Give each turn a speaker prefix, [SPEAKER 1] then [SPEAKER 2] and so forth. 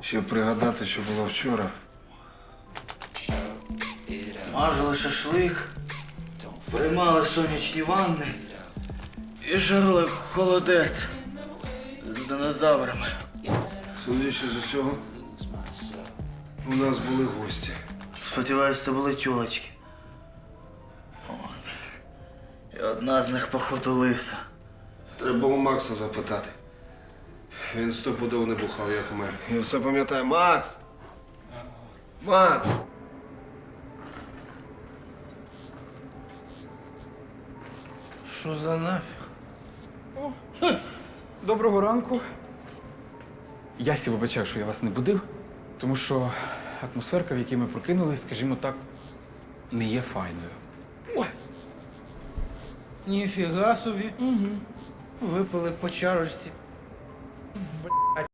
[SPEAKER 1] Щоб пригадати, що було вчора.
[SPEAKER 2] Мажили шашлик, приймали сонячні ванни і жарили холодець з динозаврами.
[SPEAKER 1] Судячи з усього, у нас були гості.
[SPEAKER 2] Сподіваюсь, це були тюлечки. І одна з них, походу, лиса.
[SPEAKER 1] Треба у Макса запитати. Він стопудово не бухав, як ми. І все пам'ятає. Макс! Макс!
[SPEAKER 2] Що за нафіг?
[SPEAKER 3] Доброго ранку. Я сі вибачаю, що я вас не будив, тому що атмосферка, в якій ми прокинулись, скажімо так, не є файною.
[SPEAKER 2] Ніфіга собі. Угу. Випили по чарочці. Блять.